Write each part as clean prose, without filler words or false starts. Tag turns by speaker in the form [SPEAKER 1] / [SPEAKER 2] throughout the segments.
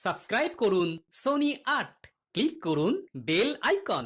[SPEAKER 1] Subscribe করুন Sony ৮, click করুন bell icon.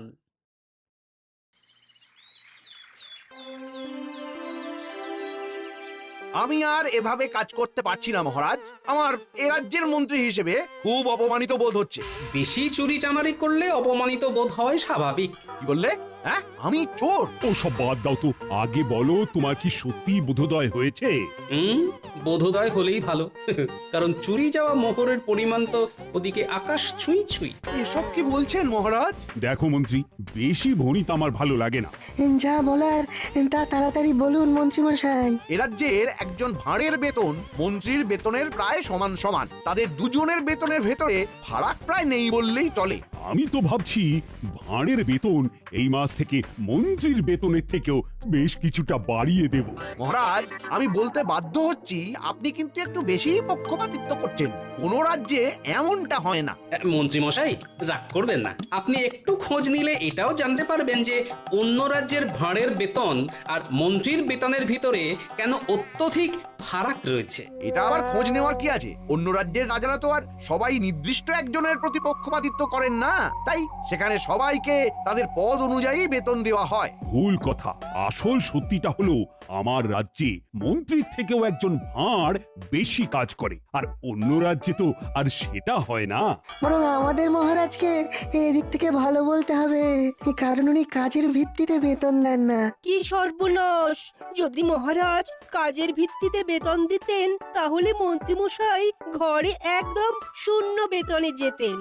[SPEAKER 2] আমি আর এভাবে কাজ করতে পারছি না মহারাজ। আমার এ রাজ্যের মন্ত্রী হিসেবে খুব অপমানিত বোধ হচ্ছে।
[SPEAKER 1] বেশি চুরি চামারি করলে অপমানিত বোধ হয় স্বাভাবিক।
[SPEAKER 2] কি বললে? হ্যাঁ, আমি চোর?
[SPEAKER 3] ওসব বাদ দাও তো, আগে বলো তোমার কি সত্যি বোধোদয় হয়েছে?
[SPEAKER 1] বোধোদয় হলেই ভালো। কারণ চুরি যাওয়া মোহরের পরিমাণ তো ওদিকে আকাশ ছুঁই ছুঁই।
[SPEAKER 2] এসব কি বলছেন মহারাজ?
[SPEAKER 3] দেখো মন্ত্রী, বেশি ভণিত আমার ভালো লাগে না।
[SPEAKER 4] যা বলার তা তাড়াতাড়ি বলুন মন্ত্রীমশাই।
[SPEAKER 2] এ রাজ্যের একজন ভাঁড়ের বেতন মন্ত্রীর বেতনের প্রায় সমান সমান। তাদের দুজনের বেতনের ভেতরে ফারাক প্রায় নেই বললেই চলে।
[SPEAKER 3] আমি তো ভাবছি ভাঁড়ের বেতন এই মাস থেকে মন্ত্রীর বেতনের থেকেও বেশ কিছুটা বাড়িয়ে দেব।
[SPEAKER 2] মহারাজ, আমি বলতে বাধ্য হচ্ছি, আপনি কিন্তু একটু বেশি পক্ষপাতিত্ব করছেন। কোন রাজ্যে এমনটা হয় না।
[SPEAKER 1] মন্ত্রী মশাই, রাগ করবেন না। আপনি একটু খোঁজ নিলে এটাও জানতে পারবেন যে অন্য রাজ্যের ভাঁড়ের বেতন আর মন্ত্রীর বেতনের ভিতরে কেন অত্যধিক ফারাক রয়েছে।
[SPEAKER 2] এটা আবার খোঁজ নেওয়ার কি আছে? অন্য রাজ্যের রাজারা তো আর সবাই নির্দিষ্ট একজনের প্রতি পক্ষপাতিত্ব করেন না, তাই সেখানে সবাইকে তাদের পদ অনুযায়ী বেতন দেওয়া হয়।
[SPEAKER 3] ভুল কথা। আসল সত্যিটা হলো আমার রাজ্যে মন্ত্রীর থেকেও একজন ভাঁড় বেশি কাজ করে, আর অন্য রাজ্যে তো আর সেটা হয় না।
[SPEAKER 4] বরং আমাদের মহারাজকে এদিক থেকে ভালো বলতে হবে, কারণ উনি কাজের ভিত্তিতে বেতন দেন না।
[SPEAKER 5] কি সর্বনাশ! যদি মহারাজ কাজের ভিত্তিতে বেতন দিতেন তাহলে মন্ত্রীমশাই ঘরে একদম শূন্য বেতনে যেতেন।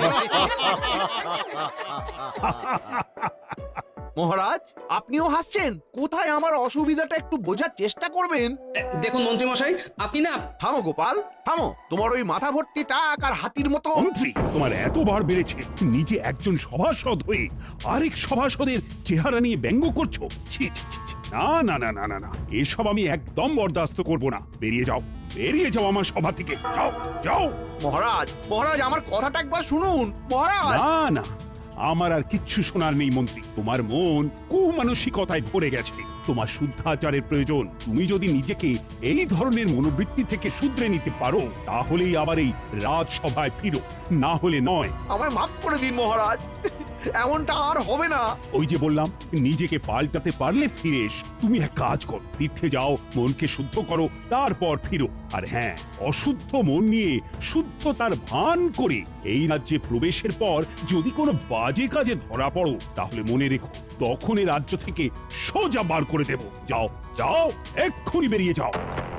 [SPEAKER 2] মহারাজ, আপনিও হাসছেন? কোথায় আমার অসুবিধাটা একটু বোঝার চেষ্টা করবেন।
[SPEAKER 1] দেখুন মন্ত্রী মশাই, আপনি না।
[SPEAKER 2] থামো গোপাল, থামো। তোমার ওই মাথা ভর্তি টাক আর হাতির মতো।
[SPEAKER 3] মন্ত্রী, তোমার এতবার বেড়েছে, নিজে একজন সভাসদ হয়ে আরেক সভাসদের চেহারা নিয়ে ব্যঙ্গ করছো। ছি ছি ছি ছি। না না না না না না, এসব আমি একদম বরদাস্ত করব না। বেরিয়ে যাও, বেরিয়ে যাও আমার সভা থেকে। যাও যাও।
[SPEAKER 2] মহারাজ, মহারাজ, আমার কথাটা একবার শুনুন মহারাজ।
[SPEAKER 3] না না, আমার আর কিচ্ছু শোনার নেই মন্ত্রী। তোমার মন কুমানসিকতায় ভরে গেছে। তোমার শুদ্ধাচারের প্রয়োজন। তুমি যদি নিজেকে এই ধরনের মনোবৃত্তি থেকে শুধরে নিতে পারো, তাহলেই আবার এই রাজসভায় ফিরো, না হলে নয়।
[SPEAKER 2] আমায় মাফ করে দিন মহারাজ, এমনটা আর হবে না।
[SPEAKER 3] ওই যে বললাম, নিজেকে পাল্টাতে পারলে ফিরে এসো। তুমি এক কাজ করো, তীর্থে যাও, মনকে শুদ্ধ করো, তারপর ফিরো। আর হ্যাঁ, অশুদ্ধ মন নিয়ে শুদ্ধতার ভান করে এই রাজ্যে প্রবেশের পর যদি কোনো বাজে কাজে ধরা পড়ো, তাহলে মনে রেখো, তখন এই রাজ্য থেকে সোজা বার করে দেব। যাও যাও, এক্ষুনি বেরিয়ে যাও।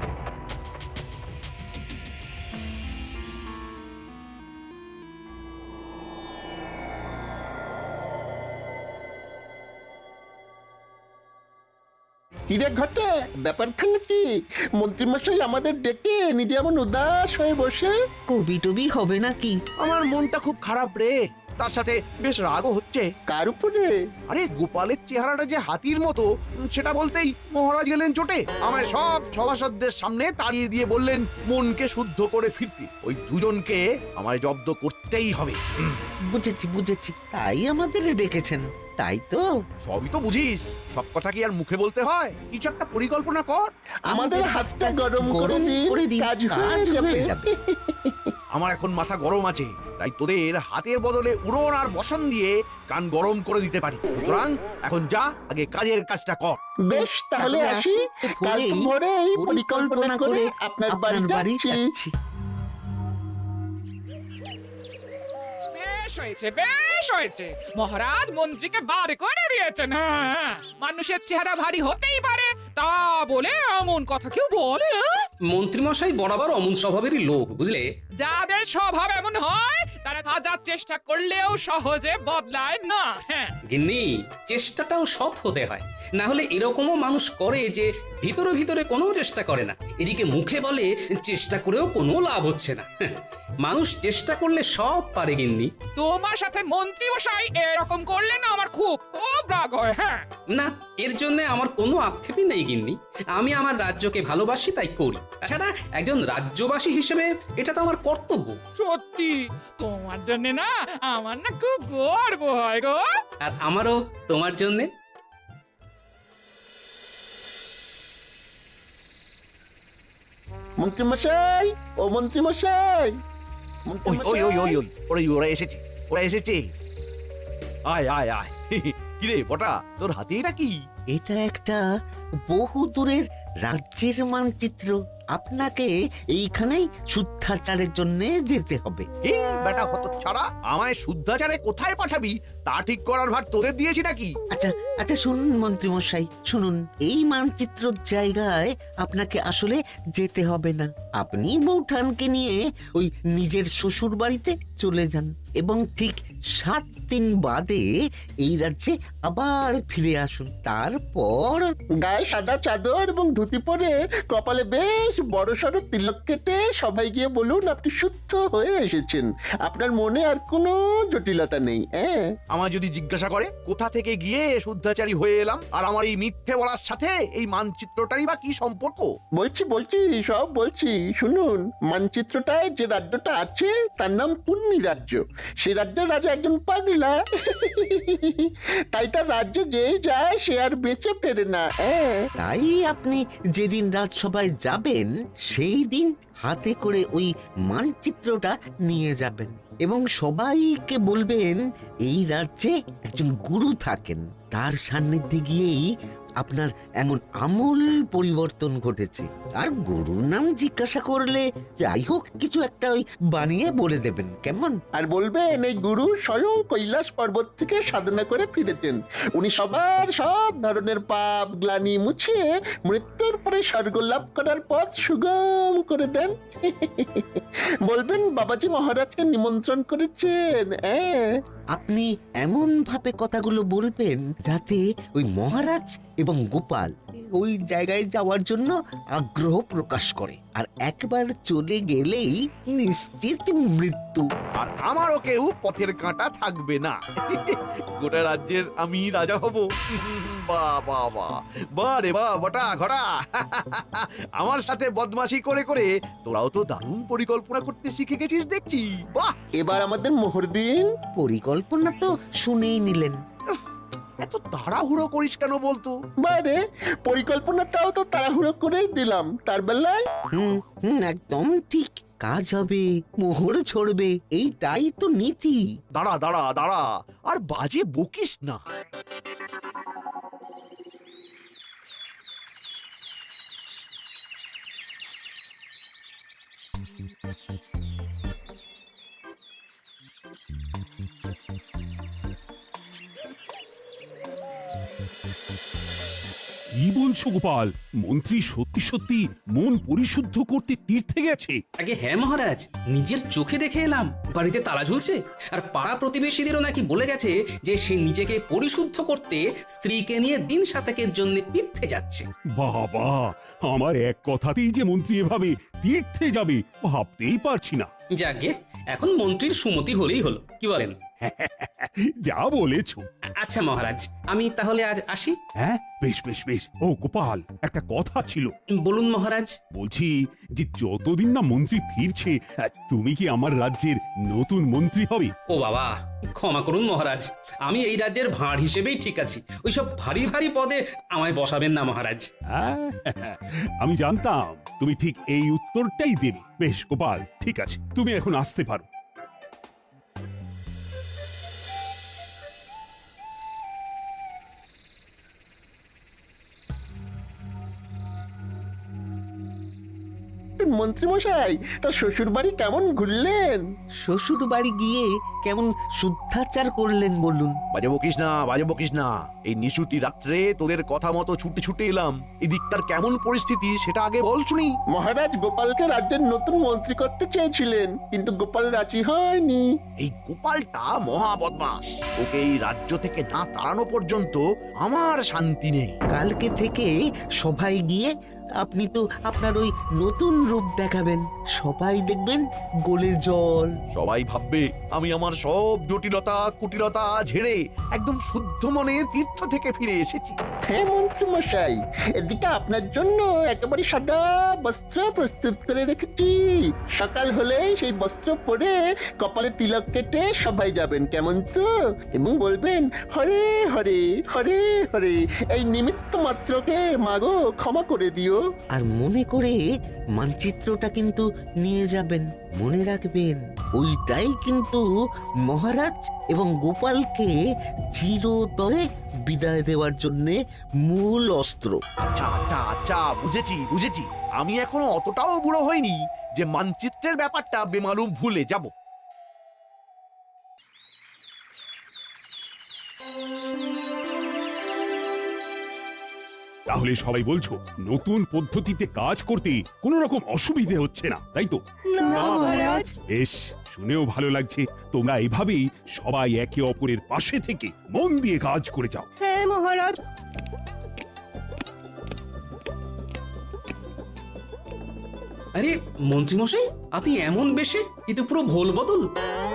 [SPEAKER 6] কিরে ঘটে, ব্যাপারখানে কি? মন্ত্রীমশাই আমাদের ডেকে নিজে এমন উদাস হয়ে বসে।
[SPEAKER 5] কবি টবি হবে নাকি?
[SPEAKER 2] আমার মনটা খুব খারাপ রে, তার সাথে বেশ রাগও হচ্ছে।
[SPEAKER 6] কার উপরে?
[SPEAKER 2] আরে গোপালের চেহারাটা যে হাতির মতো, সেটা বলতেই মহারাজ গেলেন চোটে। আমায় সব সভাসদদের সামনে তাড়িয়ে দিয়ে বললেন মনকে শুদ্ধ করে ফিরতে। ওই দুজনকে আমায় জব্দ করতেই হবে।
[SPEAKER 7] বুঝেছি বুঝেছি, তাই আমাদের ডেকেছেন, তাই তো?
[SPEAKER 2] সবই তো বুঝিস, সব কথা কি আর মুখে বলতে হয়? কিছু একটা পরিকল্পনা কর।
[SPEAKER 6] আমাদের হাতটা গরম করে দিন, কাজ হয়ে যাবে।
[SPEAKER 2] আমার এখন মাথা গরম আছে, তাই তোদের হাতের বদলে উড়ন আর বসন দিয়ে কান গরম করে দিতে পারি। সুতরাং এখন যা, আগে কাজের কাজটা কর।
[SPEAKER 6] বেশ, তাহলে আসি। কাল ভোরেই পরিকল্পনা করে আপনার বাড়ি যাচ্ছি।
[SPEAKER 8] বেশ হয়েছে, বেশ হয়েছে। মহারাজ মন্ত্রীকে বার করে দিয়েছেন। হ্যাঁ, মানুষের চেহারা ভারী হতেই পারে, তা বলে এমন কথা কেউ বলে?
[SPEAKER 1] মন্ত্রী মশাই বরাবর অমন স্বভাবেরই লোক, বুঝলে।
[SPEAKER 8] যাদের স্বভাব এমন হয় তারা হাজার চেষ্টা করলেও সহজে বদলায় না। হ্যাঁ,
[SPEAKER 1] গিন্নি, চেষ্টাটাও সৎ হতে হয়, না হলে এরকমও মানুষ করে যে ভিতরে ভিতরে কোনো চেষ্টা করে না, এদিকে মুখে বলে চেষ্টা করেও কোনো লাভ হচ্ছে না। মানুষ চেষ্টা করলে সব পারে গিন্নি।
[SPEAKER 8] তোমার সাথে মন্ত্রী মশাই এরকম করলে না আমার খুব খুব রাগ হয়। হ্যাঁ
[SPEAKER 1] না, এর জন্য আমার কোনো আক্ষেপই নেই গিন্নি। আমি আমার রাজ্যকে ভালোবাসি, তাই করি। তাছাড়া একজন রাজ্যবাসী হিসেবে এটা তো আমার কর্তব্য।
[SPEAKER 8] সত্যি, তোমার জন্য না আমার না খুব গর্ব হয় গো।
[SPEAKER 1] আর আমারও তোমার জন্যে।
[SPEAKER 6] মন্ত্রীমশাই, ও মন্ত্রীমশাই,
[SPEAKER 2] ওই ওই ওই ওই ওই, ওরা এসেছে, ওরা এসেছে। আয় আয় আয়। কিরে বটা, তোর হাতে এটা কি?
[SPEAKER 7] এটা একটা বহু দূরের রাজ্যের মানচিত্র। আপনাকে এইখানেই শুদ্ধাচারের জন্য যেতে হবে।
[SPEAKER 2] এই বেটা হতচ্ছাড়া, আমায় শুদ্ধাচারে কোথায় পাঠাবি তা ঠিক করার ভার তোদের দিয়েছি নাকি?
[SPEAKER 7] আচ্ছা আচ্ছা, শুনুন মন্ত্রী মশাই, শুনুন। এই মানচিত্রর জায়গায় আপনাকে আসলে যেতে হবে না। আপনি বৌঠানকে নিয়ে ওই নিজের শ্বশুর বাড়িতে চলে যান এবং ঠিক 7 দিন বাদে এই রাজ্যে আবার ফিরে আসুন। তারপর
[SPEAKER 6] গায়ে সাদা চাদর এবং ধুতি পরে কপালে বেশ বড় সড়ো তিলক কেটে সবাই গিয়ে বলুন আপনি শুদ্ধ হয়ে এসেছেন। আপনার মনে আর কোনো জটিলতা নেই। হ্যাঁ,
[SPEAKER 2] আমায় যদি জিজ্ঞাসা করে কোথা থেকে গিয়ে শুদ্ধাচারী হয়ে এলাম, আর আমার এই মিথ্যে বলার সাথে এই মানচিত্রটারই বা কি সম্পর্ক?
[SPEAKER 6] বলছি সব বলছি, শুনুন। মানচিত্রটায় যে রাজ্যটা আছে তার নাম পুণ্যি রাজ্য। সে রাজ্যের রাজা একজন পাগলা। তাই তার রাজ্যে যে যায় সে আর বেঁচে ফেরে না।
[SPEAKER 7] তাই আপনি যেদিন রাজসভায় যাবেন সেই দিন হাতে করে ওই মানচিত্রটা নিয়ে যাবেন এবং সবাইকে বলবেন এই রাজ্যে একজন গুরু থাকেন, তার সান্নিধ্যে গিয়েই আপনার এমন আমূল পরিবর্তন ঘটেছে। আর গুরুর নাম জিজ্ঞাসা করলে যাই হোক কিছু একটা ওই বানিয়ে বলে দেবেন, কেমন?
[SPEAKER 6] আর বলবেন এই গুরু স্বয়ং কৈলাস পর্বত থেকে সাধনা করে ফিরেছেন। উনি সবার সব ধরনের পাপ গ্লানি মুছিয়ে মৃত্যুর পরে স্বর্গ লাভ করার পথ সুগম করে দেন। বলবেন বাবাজি মহারাজকে নিমন্ত্রণ করেছেন।
[SPEAKER 7] আপনি এমন ভাবে কথাগুলো বলবেন যাতে ওই মহারাজ এবং গোপাল ওই জায়গায় যাওয়ার জন্য আগ্রহ প্রকাশ করে, আর একবার চলে গেলেই নিশ্চিত মৃত্যু।
[SPEAKER 2] আর আমারও কেউ পথের কাঁটা থাকবে না। গোটা রাজ্যের আমি রাজা হব। বাহ বাহ বাহ, বাহ রে বাহ বটা ঘটা। আমার সাথে বদমাশি করে করে তোরাও তো দারুণ পরিকল্পনা করতে শিখে গেছিস দেখছি। বাহ,
[SPEAKER 6] এবার আমাদের মোহর দিন।
[SPEAKER 7] পরিকল্পনা তো শুনেই নিলেন।
[SPEAKER 2] এত তাড়াহুড়ো করিস কেন বলতো?
[SPEAKER 6] বাইরে পরিকল্পনাটাও তো তাড়াহুড়ো করেই দিলাম। তার বেলায়
[SPEAKER 7] একদম ঠিক। কাজ হবে, মোহর ছড়বে, এইটাই তো নীতি।
[SPEAKER 2] দাঁড়া দাঁড়া দাঁড়া, আর বাজে বকিস না।
[SPEAKER 3] কি বলছো গোপাল? মন্ত্রী সত্যি সত্যি মন পরিশুদ্ধ করতে তীর্থে গেছে?
[SPEAKER 1] আগে হ্যাঁ মহারাজ, নিজের চোখে দেখে এলাম। বাড়িতে তালা ঝুলছে, আর পাড়া প্রতিবেশীদেরও নাকি বলে গেছে যে সে নিজেকে পরিশুদ্ধ করতে স্ত্রীকে নিয়ে দিন সাতেকের জন্য তীর্থে যাচ্ছে।
[SPEAKER 3] বাবা, আমার এক কথাতেই যে মন্ত্রী এভাবে তীর্থে যাবে ভাবতেই পারছি না।
[SPEAKER 1] যাকে এখন মন্ত্রীর সুমতি হলেই হলো, কি বলেন?
[SPEAKER 3] যা বলেছো।
[SPEAKER 1] আচ্ছা মহারাজ, আমি তাহলে আজ আসি।
[SPEAKER 3] হ্যাঁ, বেশ বেশ বেশ। ও গোপাল, একটা কথা ছিল।
[SPEAKER 1] বলুন মহারাজ।
[SPEAKER 3] বলছি যে যতদিন না মন্ত্রী ফিরছে তুমি কি আমার রাজ্যের নতুন মন্ত্রী হবে?
[SPEAKER 1] ও বাবা, ক্ষমা করুন মহারাজ, আমি এই রাজ্যের ভাঁড় হিসেবেই ঠিক আছি। ওইসব ভারী ভারী পদে আমায় বসাবেন না মহারাজ।
[SPEAKER 3] আমি জানতাম তুমি ঠিক এই উত্তরটাই দেবে। বেশ গোপাল, ঠিক আছে, তুমি এখন আসতে পারো।
[SPEAKER 6] মন্ত্রী মশাই, তার শ্বশুর বাড়ি কেমন ঘুরলেন?
[SPEAKER 7] শ্বশুর বাড়ি গিয়ে কেমন শুদ্ধাচার করলেন বলুন?
[SPEAKER 2] বাজে বকিস না, বাজে বকিস না। এই নিশুতি রাত্রে তোদের কথা মতো ছুটে ছুটে এলাম। এদিকটার কেমন পরিস্থিতি সেটা আগে বল শুনি।
[SPEAKER 6] মহারাজ গোপালকে রাজ্যের নতুন মন্ত্রী করতে চেয়েছিলেন, কিন্তু গোপাল রাজি হয়নি।
[SPEAKER 2] এই গোপালটা মহা বদমাস। ওকে এই রাজ্য থেকে না তাড়ানো পর্যন্ত আমার শান্তি নেই।
[SPEAKER 7] কালকে থেকে সবাই গিয়ে আপনি তো আপনার ওই নতুন রূপ দেখাবেন, সবাই দেখবেন গোলে জল।
[SPEAKER 2] সবাই ভাববে আমি আমার সব জটিলতা কুটিলতা ঝেড়ে একদম শুদ্ধ মনে তীর্থ থেকে ফিরে এসেছি।
[SPEAKER 6] হ্যাঁ মন্ত্রী মশাই, এদিকে আপনার জন্য একেবারে সাদা বস্ত্র প্রস্তুত করে রেখেছি। সকাল হলে সেই বস্ত্র পরে কপালে তিলক কেটে সবাই যাবেন, কেমন তো? এবং বলবেন হরে হরে হরে হরে, এই নিমিত্ত মাত্রকে মাগো ক্ষমা করে দিও।
[SPEAKER 7] আর মনে করে মানচিত্রটা কিন্তু নিয়ে যাবেন। মনে রাখবেন, ওইটাই কিন্তু মহারাজ এবং গোপালকে চিরতরে বিদায় দেওয়ার জন্য মূল অস্ত্র।
[SPEAKER 2] আচ্ছা আচ্ছা আচ্ছা, বুঝেছি বুঝেছি। আমি এখনো অতটাও বুড়ো হইনি যে মানচিত্রের ব্যাপারটা বেমালুম ভুলে যাব।
[SPEAKER 3] তাহলে সবাই বলছো নতুন পদ্ধতিতে কাজ করতে কোনো রকম অসুবিধে হচ্ছে না, তাই তো?
[SPEAKER 5] না মহারাজ।
[SPEAKER 3] বেশ, শুনেও ভালো লাগছে। তোমরা এভাবেই সবাই একে অপরের পাশে থেকে মন দিয়ে কাজ করে যাও।
[SPEAKER 5] হ্যাঁ মহারাজ।
[SPEAKER 1] আরে মন্ত্রীমশাই, আপনি এমন বেশে, এ তো পুরো ভোল বদল।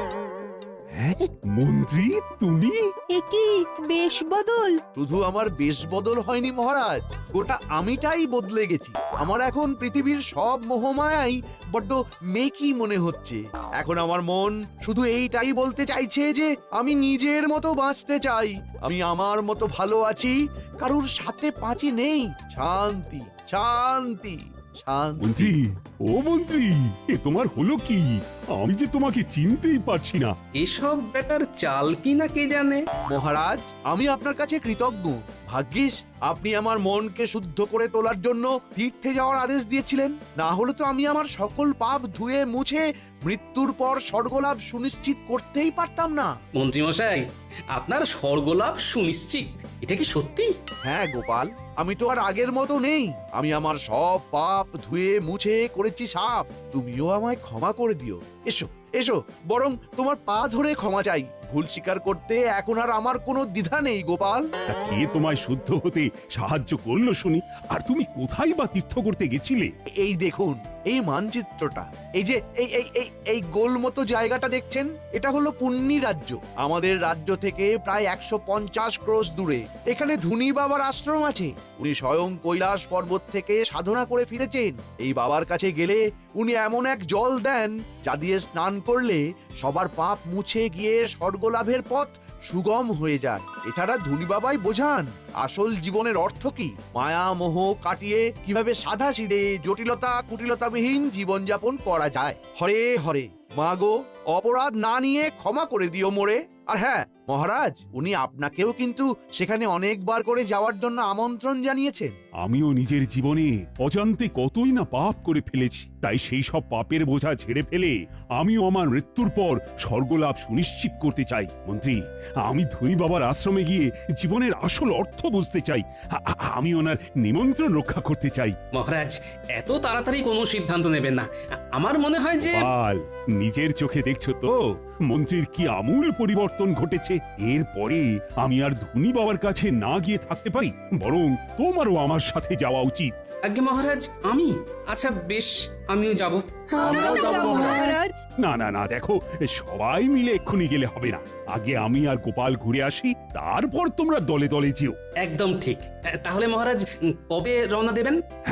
[SPEAKER 3] হ্যাঁ মন্ত্রী, তুমি?
[SPEAKER 5] এ কি বেশ বদল?
[SPEAKER 2] শুধু আমার বেশ বদল হয়নি মহারাজ, গোটা আমিটাই বদলে গেছি। আমার এখন পৃথিবীর সব মোহমায়াই বড্ড মেকি মনে হচ্ছে। এখন আমার মন শুধু এইটাই বলতে চাইছে যে আমি নিজের মতো বাঁচতে চাই, আমি আমার মতো ভালো আছি, কারুর সাথে পাঁচি নেই। শান্তি শান্তি শান্তি।
[SPEAKER 3] মন্ত্রী, ও মন্ত্রী, এ তোমার হলো কি? আমি যে তোমাকে চিনতেই পারছি না।
[SPEAKER 1] এসব ব্যাটার চাল কি না কে জানে।
[SPEAKER 2] মহারাজ, আমি আপনার কাছে কৃতজ্ঞ। ভাগ্যিস আপনি আমার মনকে শুদ্ধ করে তোলার জন্য তীর্থে যাওয়ার আদেশ দিয়েছিলেন, না হলে তো আমি আমার সকল পাপ ধুয়ে মুছে মৃত্যুর পর স্বর্গলাভ সুনিশ্চিত করতেই পারতাম না।
[SPEAKER 1] মন্ত্রীমশাই, আপনার স্বর্গলাভ সুনিশ্চিত, এটা কি সত্যি?
[SPEAKER 2] হ্যাঁ গোপাল, আমি তো আর আগের মতো নেই। আমি আমার সব পাপ ধুয়ে মুছে করেছি সাফ। তুমিও আমায় ক্ষমা করে দিও। এসো এসো, বরং তোমার পা ধরে ক্ষমা চাই। ভুল স্বীকার করতে এখন আর আমার কোনো দ্বিধা নেই গোপাল।
[SPEAKER 3] তা কে তোমায় শুদ্ধ হতে সাহায্য করলো শুনি? আর তুমি কোথায় বা তীর্থ করতে গেছিলে?
[SPEAKER 2] এই দেখুন এই মানচিত্রটা, এই যে এই এই এই এই গোল মতো জায়গাটা দেখছেন, এটা হলো পুণ্যি রাজ্য। আমাদের রাজ্য থেকে প্রায় 150 ক্রোশ দূরে এখানে ধুনি বাবার আশ্রম আছে। উনি স্বয়ং কৈলাস পর্বত থেকে সাধনা করে ফিরেছেন। এই বাবার কাছে গেলে উনি এমন এক জল দেন যা দিয়ে স্নান করলে সবার পাপ মুছে গিয়ে স্বর্গলাভের পথ সুগম হয়ে যায়। এছাড়া ধুনি বাবাই বোঝান আসল জীবনের অর্থ কি, মায়া মোহ কাটিয়ে কিভাবে সাদা সিধে জটিলতা কুটিলতাবিহীন জীবনযাপন করা যায়। হরে হরে, মা গো, অপরাধ না নিয়ে ক্ষমা করে দিও মোরে। আর হ্যাঁ মহারাজ, উনি আপনাকেও কিন্তু সেখানে অনেকবার করে যাওয়ার জন্য আমন্ত্রণ জানিয়েছেন।
[SPEAKER 3] আমিও নিজের জীবনে অজান্তে কতই না পাপ করে ফেলেছি, তাই সেই সব পাপের বোঝা ঝেড়ে ফেলে আমিও আমার মৃত্যুর পর স্বর্গলাভ সুনিশ্চিত করতে চাই। মন্ত্রী, আমি ধনী বাবার আশ্রমে গিয়ে জীবনের আসল অর্থ বুঝতে চাই। আমি ওনার নিমন্ত্রণ রক্ষা করতে চাই।
[SPEAKER 1] মহারাজ, এত তাড়াতাড়ি কোনো সিদ্ধান্ত নেবেন না। আমার মনে হয় যে
[SPEAKER 3] গোপাল, নিজের চোখে দেখছো তো মন্ত্রীর কি আমূল পরিবর্তন ঘটেছে। এরপরে আমি আর ধনী বাবার কাছে না গিয়ে থাকতে পারি, বরং তোমারও আমার সাথে যাওয়া উচিত।
[SPEAKER 1] আজ্ঞে মহারাজ, আমি? আচ্ছা বেশ, আমিও যাব।
[SPEAKER 5] আমরাও যাব মহারাজ।
[SPEAKER 3] না না না, দেখো, সবাই মিলে এক্ষুনি গেলে হবে না। আগে আমি আর গোপাল ঘুরে আসি, তারপর তোমরা দলে দলে যেও।
[SPEAKER 1] একদম ঠিক। তাহলে মহারাজ, কবে রওনা দেবেন?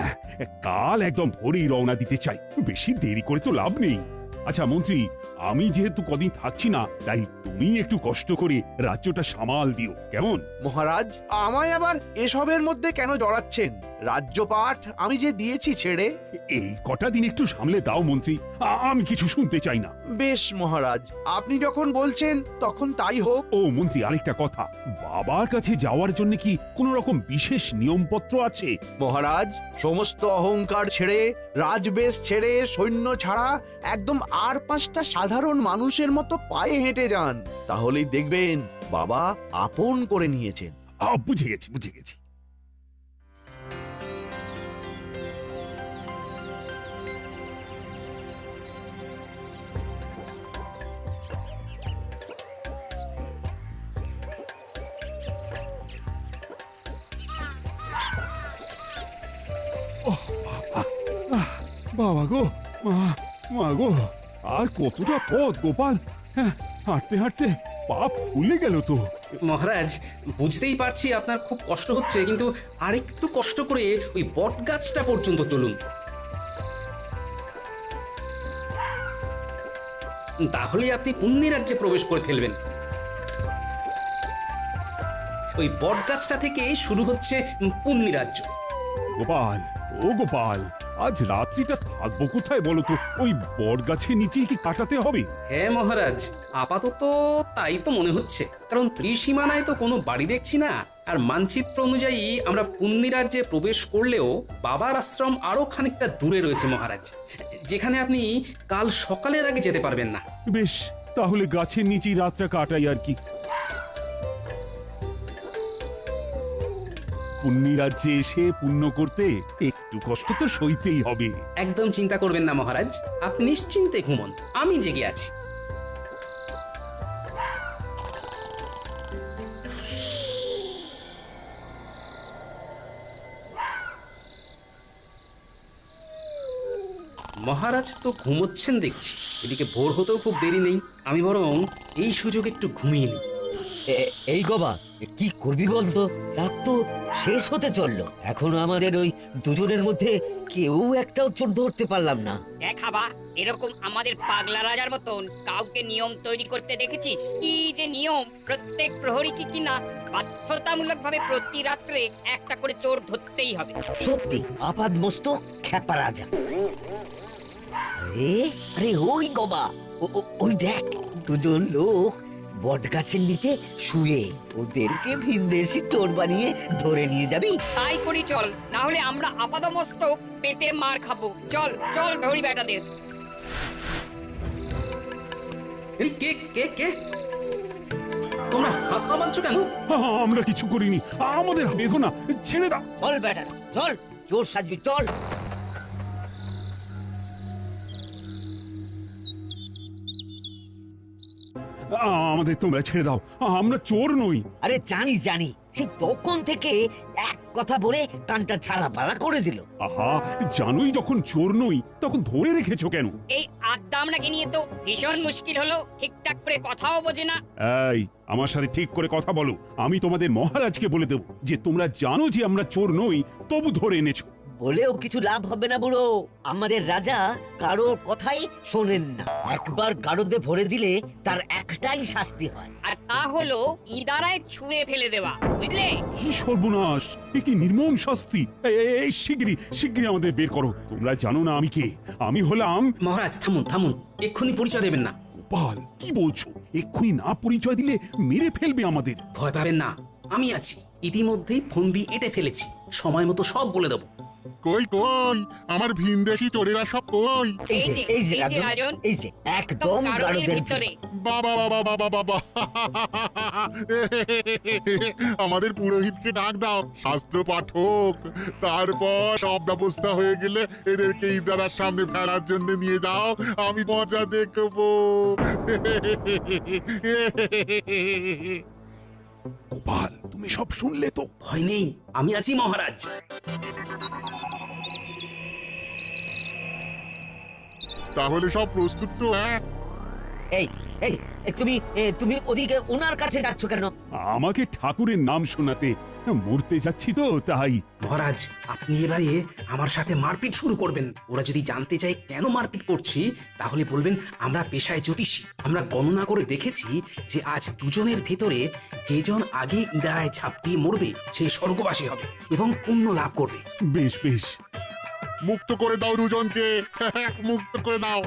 [SPEAKER 3] কাল একদম ভোরেই রওনা দিতে চাই, বেশি দেরি করে তো লাভ নেই। আচ্ছা মন্ত্রী, আমি যেহেতু কদিন থাকছি না, তাই তুমি একটু কষ্ট করে রাজ্যটা সামাল দিও, কেমন?
[SPEAKER 2] মহারাজ, আমায় আবার এসবের মধ্যে কেন জড়াচ্ছেন? রাজ্যপাঠ আমি যে দিয়েছি ছেড়ে।
[SPEAKER 3] এই কটা দিন একটু সামলে দাও মন্ত্রী, আমি কিছু শুনতে চাই না।
[SPEAKER 2] বেশ মহারাজ, আপনি যখন বলছেন তখন তাই হোক।
[SPEAKER 3] ও মন্ত্রী, আরেকটা কথা, বাবার কাছে যাওয়ার জন্য কি কোনো রকম বিশেষ নিয়মপত্র আছে?
[SPEAKER 2] মহারাজ, সমস্ত অহংকার ছেড়ে, রাজবেশ ছেড়ে, সৈন্য ছাড়া একদম আর 5টা সাধারণ মানুষের মতো পায়ে হেঁটে যান, তাহলেই দেখবেন বাবা আপন করে নিয়েছেন।
[SPEAKER 3] বুঝে গেছি বুঝে গেছি। বাবা গো, মা গো, আর কতটা পথ গোপাল! হ্যাঁ, হাঁটতে হাঁটতে পা ফুলে গেল তো।
[SPEAKER 1] মহারাজ, বুঝতেই পারছি আপনার খুব কষ্ট হচ্ছে, কিন্তু আরেকটু কষ্ট করে ওই বট গাছটা পর্যন্ত চলুন, তাহলে আপনি পুণ্যি রাজ্যে প্রবেশ করে ফেলবেন। ওই বট গাছটা থেকে শুরু হচ্ছে পুণ্যি রাজ্য।
[SPEAKER 3] গোপাল, ও ও গোপাল, আজ রাত্রিটা থাকবো কোথায় বলো তো? ওই বট গাছের নিচেই কি কাটাতে হবে?
[SPEAKER 1] হ্যাঁ মহারাজ, আপাতত তাই তো মনে হচ্ছে, কারণ ত্রিসীমানায় তো কোনো বাড়ি দেখছি না। আর মানচিত্র অনুযায়ী আমরা পুণ্যি রাজ্যে প্রবেশ করলেও বাবার আশ্রম আরো খানিকটা দূরে রয়েছে মহারাজ, যেখানে আপনি কাল সকালের আগে যেতে পারবেন না।
[SPEAKER 3] বেশ, তাহলে গাছের নিচেই রাতটা কাটাই আর কি। পুণ্যি রাজ্যে এসে পুণ্য করতে একটু কষ্ট তো সইতেই হবে।
[SPEAKER 1] একদম চিন্তা করবেন না মহারাজ, আপনি নিশ্চিন্তে ঘুমন, আমি জেগে আছি। মহারাজ তো ঘুমোচ্ছেন দেখছি, এদিকে ভোর হতেও খুব দেরি নেই, আমি বরং এই সুযোগ একটু ঘুমিয়ে নিই।
[SPEAKER 9] এই গবা, কি করবি বলতো? রাত তো শেষ হতে চললো, এখনো আমাদের ওই দুজনের মধ্যে কেউ একটাও চোর ধরতে পারলাম না।
[SPEAKER 10] দেখাবা এরকম আমাদের পাগলা রাজার মতন কাউকে নিয়ম তৈরি করতে দেখেছিস? কি যে নিয়ম, প্রত্যেক প্রহরী কিনা বাধ্যতামূলক ভাবে প্রতি রাত্রে একটা করে চোর ধরতেই হবে।
[SPEAKER 9] সত্যি আপাদ মস্তক খ্যাপা রাজা। আরে আরে ওই গবা, ওই দেখ দুজন লোক বট গাছের নিচে শুয়ে, ওদেরকে ভিনদেশি চোর বানিয়ে ধরে নিয়ে যাবি?
[SPEAKER 10] তাই করি চল, না হলে আমরা আপাদমস্তক পেটে মার খাবো। চল চল ভরি বেটাদের।
[SPEAKER 1] এই কে কে কে তোমরা হাত পা বাঁধছো কেন?
[SPEAKER 3] আমরা কিছু করিনি, আমাদের বেঁধো না, ছেড়ে দাও।
[SPEAKER 9] চল বেটা চল, চোর সাজবি চল।
[SPEAKER 3] আমাদের তোমরা ছেড়ে দাও, আমরা চোর নই।
[SPEAKER 9] আরে জানি জানি, সে তখন থেকে এক কথা বলে কানটা ছাড়া পালা করে দিল।
[SPEAKER 3] আহা, জানোই যখন চোর নই তখন ধরে রেখেছো কেন?
[SPEAKER 10] এই আড্ডা আপনাকে নিয়ে তো ভীষণ মুশকিল হলো, ঠিকঠাক করে কথাও বোঝে না।
[SPEAKER 3] এই, আমার সাথে ঠিক করে কথা বলো। আমি তোমাদের মহারাজকে বলে দেব যে তোমরা জানো যে আমরা চোর নই, তবু ধরে এনেছো।
[SPEAKER 9] বলেও কিছু লাভ হবে না বুড়ো, আমাদের রাজা কারোর কথাই শোনেন না। একবার গারদে ভরে দিলে তার একটাই শাস্তি হয়,
[SPEAKER 10] আর তা হলো ইদারায় ছুঁড়ে ফেলে দেওয়া, বুঝলে?
[SPEAKER 3] কি সর্বনাশ, এ কি নির্মম শাস্তি! এই শিগগিরই আমাদের বের করো। তোমরা জানো না আমি কে? আমি হলাম...
[SPEAKER 1] মহারাজ থামুন থামুন, এক্ষুনি পরিচয় দেবেন না।
[SPEAKER 3] গোপাল, কি বলছো? এক্ষুনি না পরিচয় দিলে মেরে ফেলবে আমাদের।
[SPEAKER 1] ভয় পাবেন না, আমি আছি। ইতিমধ্যেই ফন্দি এঁটে ফেলেছি, সময় মতো সব বলে দেবো।
[SPEAKER 11] কই কই আমার ভিনদেশি চোরেরা সব কই?
[SPEAKER 9] এই যে রাজন, এই যে একদম গারদের ভিতরে।
[SPEAKER 11] বাবা বাবা বাবা বাবা, আমাদের পুরোহিতকে ডাক দাও, শাস্ত্র পাঠক। তারপর সব ব্যবস্থা হয়ে গেলে এদেরকে ইদারার সামনে ফেলার জন্য নিয়ে যাও, আমি মজা দেখবো।
[SPEAKER 3] গোপাল, তুমি সব শুনলে তো?
[SPEAKER 1] ভয় নেই, আমি আছি মহারাজ।
[SPEAKER 11] তাহলে সব প্রস্তুত তো? হ্যাঁ,
[SPEAKER 9] এই এই তুমি ওদিকে ওনার কাছে যাচ্ছ কেন?
[SPEAKER 3] আমাকে ঠাকুরের নাম শোনাতে। মরতে যাচ্ছি তো তাই।
[SPEAKER 1] মহারাজ, আপনি এবারে আমার সাথে মারপিট শুরু করবেন। ওরা যদি জানতে চায় কেন মারপিট করছি, তাহলে বলবেন আমরা পেশায় জ্যোতিষী। আমরা গণনা করে দেখেছি যে আজ দুজনের ভেতরে যেজন আগে ইদারায় ঝাঁপ দিয়ে মরবে সে স্বর্গবাসী হবে এবং পুণ্য লাভ করবে।
[SPEAKER 3] বেশ বেশ,
[SPEAKER 11] মুক্ত করে দাও দুজনকে, মুক্ত করে দাও।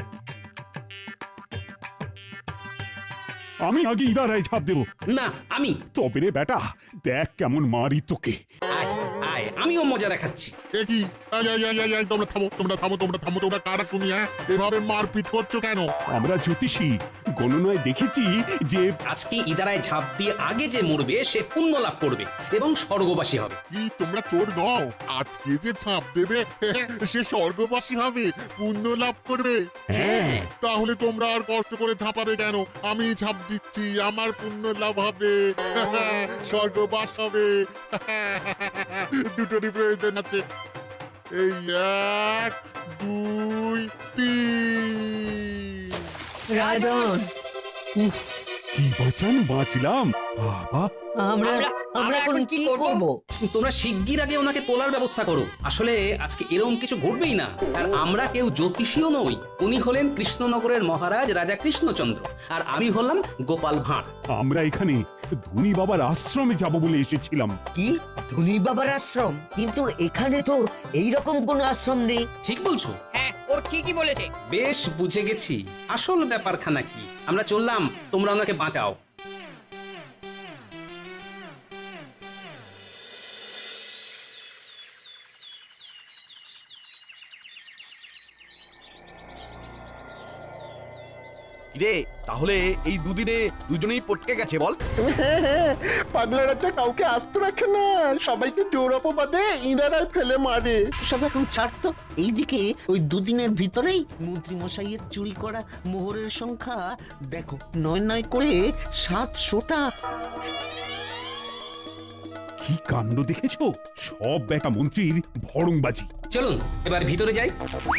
[SPEAKER 3] আমি আগে ইদারায় ঝাঁপ দেবো।
[SPEAKER 1] না, আমি।
[SPEAKER 3] তবে রে বেটা, দেখ কেমন মারি তোকে।
[SPEAKER 1] আয় আয়, আমিও মজা দেখাচ্ছি।
[SPEAKER 11] এ কি? তোমরা থামো, তোমরা থামো, তোমরা থামো, তোমরা কারা তুমি? হ্যাঁ, এভাবে মারপিট করছো কেন?
[SPEAKER 3] আমরা জ্যোতিষী, গণনায় দেখেছি যে
[SPEAKER 1] আজকে ইদারায় ঝাঁপ দিয়ে আগে যে মরবে সে পুণ্য লাভ করবে এবং স্বর্গবাসী হবে।
[SPEAKER 11] কি তোমরা চোর নও? আজকে যে ছাপ দেবে সে স্বর্গবাসী হবে, পুণ্য লাভ করবে।
[SPEAKER 1] হ্যাঁ,
[SPEAKER 11] তাহলে তোমরা আর কষ্ট করে ঝাঁপাবে কেন? আমি ঝাঁপ দিচ্ছি, আমার পুণ্য লাভ হবে, স্বর্গবাস হবে। দুটোরই প্রয়োজন আছে। এই 1 2 3।
[SPEAKER 9] রাজন,
[SPEAKER 3] উফ, কি বাঁচান বাঁচলাম বাবা।
[SPEAKER 9] আমরা আমরা এখন কি করব?
[SPEAKER 1] তোমরা শিগগির আগে ওনাকে তোলার ব্যবস্থা করো। আসলে আজকে এরকম কিছু ঘটবেই না। আর আমরা কেউ জ্যোতিষীও নই। উনি হলেন কৃষ্ণনগরের মহারাজ রাজা কৃষ্ণচন্দ্র, আর আমি হলাম গোপাল ভাঁড়।
[SPEAKER 3] আমরা এখানে ধনী বাবার আশ্রমে যাব বলে এসেছিলাম।
[SPEAKER 9] কি ধনী বাবার আশ্রম? কিন্তু এখানে তো এইরকম কোনো আশ্রম নেই।
[SPEAKER 1] ঠিক বলছো?
[SPEAKER 10] হ্যাঁ, ও ঠিকই বলেছে।
[SPEAKER 1] বেশ বুঝে গেছি আসল ব্যাপারখানা কি। আমরা চললাম, তোমরা ওনাকে বাঁচাও।
[SPEAKER 2] রে তাহলে এই দুদিনে দুজনেই পটকে গেছে বল?
[SPEAKER 6] পাগলা রাজা কাউকে আস্ত রাখে না, সবাইকে জোর অপবাদে ইনারাই ফেলে মারে।
[SPEAKER 7] সব এখন ছাড়তো। এইদিকে ওই দুদিনের ভিতরেই মন্ত্রী মশাইয়ের চুরি করা মোহরের সংখ্যা দেখো, 9 করে 700টা।
[SPEAKER 3] কি কাণ্ড দেখেছো? সব বেটা মন্ত্রীর ভড়ংবাজি।
[SPEAKER 1] চলুন এবার ভিতরে যাই।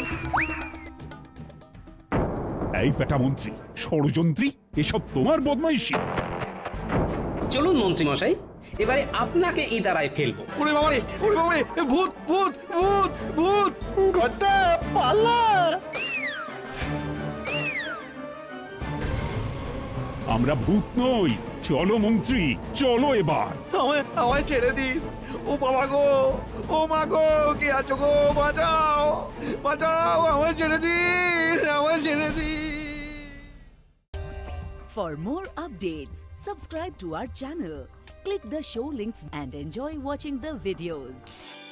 [SPEAKER 3] এই বেটা মন্ত্রী, ষড়যন্ত্রী, এসব তোমার বদমাইশি।
[SPEAKER 1] চলুন মন্ত্রী মশাই, এবারে আপনাকে ইদারায় ফেলবো।
[SPEAKER 2] ওরে বাবারে, ওরে বাবারে, ভূত ভূত ভূত ভূত!
[SPEAKER 6] ঘটা পালা!
[SPEAKER 3] আমরা ভূত নই। চলো মন্ত্রী, চলো এবার।
[SPEAKER 2] আমায় ছেড়ে দিন। ও বাবা গো, ও মা গো, কে আছো গো? বাঁচাও, বাঁচাও, আমায় ছেড়ে দিন, আমায় ছেড়ে দিন।
[SPEAKER 12] For more updates, subscribe to our channel, click the show links and enjoy watching the videos.